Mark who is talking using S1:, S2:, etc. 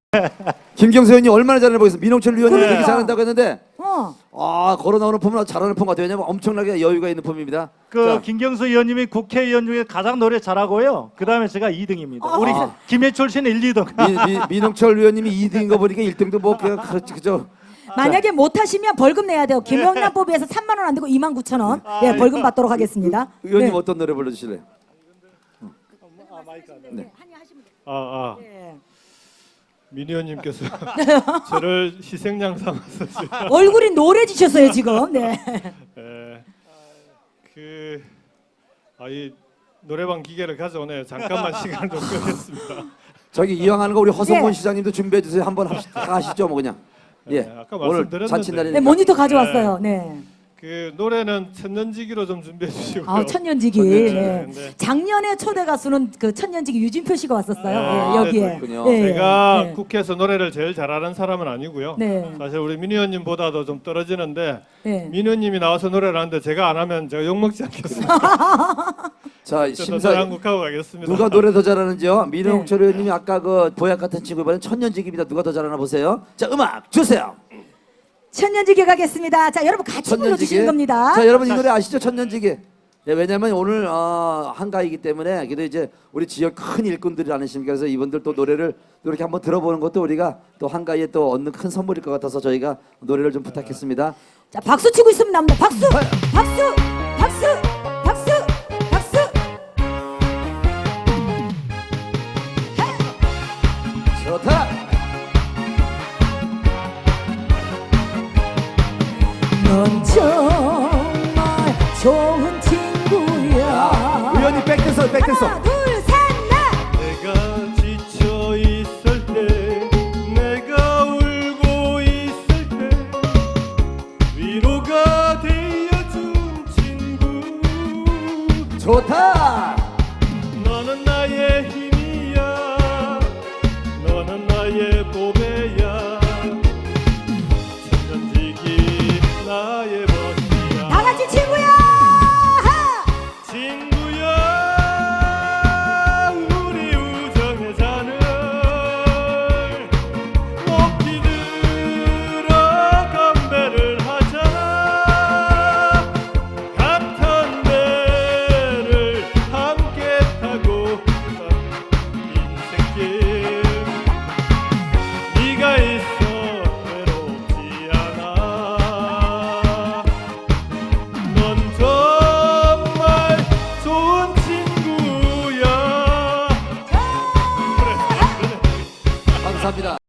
S1: 김경수 의원님 얼마나 잘하나 보겠습니다. 민홍철 의원님이
S2: 그러니까.
S1: 되게 잘한다고 했는데 걸어 나오는 폼은 아주 잘하는 폼 같아요. 왜냐면 엄청나게 여유가 있는 폼입니다. 자,
S2: 김경수 의원님이 국회의원 중에 가장 노래 잘하고요. 그 다음에 제가 2등입니다. 우리 김해철 씨는 1, 2등.
S1: 민홍철 의원님이 2등인 거 보니까 1등도 뭐 그냥 그죠.
S3: 만약에 못하시면 벌금 내야 돼요. 김영란법에서 3만 원 안 되고 29,000원 예, 벌금 받도록 하겠습니다.
S1: 의원님
S3: 네.
S1: 어떤 노래 불러주실래요?
S3: 네.
S4: 민 의원님께서 저를 희생양 삼아서 지금
S3: 얼굴이 노래지셨어요 지금. 네.
S4: 이 노래방 기계를 가져오네요. 잠깐만 시간 좀 끄겠습니다.
S1: 저기 이왕하는 거 우리 허성곤
S3: 네.
S1: 시장님도 준비해 주세요. 한번 하시죠, 뭐 그냥. 예.
S4: 아까
S1: 오늘
S4: 말씀드렸는데.
S1: 잔칫날이니까.
S3: 네 모니터 가져왔어요. 네.
S4: 그 노래는 천년지기로 좀 준비해 주시고요.
S3: 아 천년지기.
S4: 천년지기.
S3: 네.
S4: 네.
S3: 작년에 초대 가수는 그 천년지기 유진표 씨가 왔었어요.
S4: 아,
S3: 예, 여기에.
S1: 그렇군요.
S4: 제가
S3: 네.
S4: 국회에서 노래를 제일 잘하는 사람은 아니고요.
S3: 네.
S4: 사실 우리 민 의원님보다도 좀 떨어지는데
S3: 네.
S4: 민 의원님이 나와서 노래를 하는데 제가 안 하면 제가 욕먹지 않겠습니다.
S1: 자,
S4: 저도
S1: 심사
S4: 한국하고 가겠습니다.
S1: 누가 노래 더 잘하는지요?
S3: 네.
S1: 민홍철 의원님이 아까 그 보약 같은 친구 이번엔 천년지기입니다. 누가 더 잘하나 보세요. 자, 음악 주세요.
S3: 천년지기 가겠습니다. 자 여러분 같이 불러주시는 겁니다.
S1: 자, 여러분 이 노래 아시죠? 천년지기. 네, 왜냐면 오늘 한가위이기 때문에 그래도 이제 우리 지역 큰 일꾼들이 아니십니까? 그래서 이분들 또 노래를 또 이렇게 한번 들어보는 것도 우리가 또 한가위에 또 얻는 큰 선물일 것 같아서 저희가 노래를 좀 부탁했습니다.
S3: 자 박수 치고 있으면 납니다. 박수, 박수, 박수, 박수, 박수.
S1: 좋다.
S3: 넌 정말 좋은 친구야.
S1: 의원님 백댄서, 백댄서.
S3: 하나, 둘, 셋, 넷.
S4: 내가 지쳐 있을 때, 내가 울고 있을 때, 위로가 되어준 친구.
S1: 좋다.
S4: 너는 나의 힘이야, 너는 나의 보배야. 천년지기 나의 멋이야.
S3: 다 같이 친구야. 하!
S4: 친구야, 우리 우정의 잔을 높이 들어 건배를 하자. 같은 배를 함께 타고 인생길 네가 있어 외롭지 않아. 넌 정말 좋은 친구야.
S1: 감사합니다.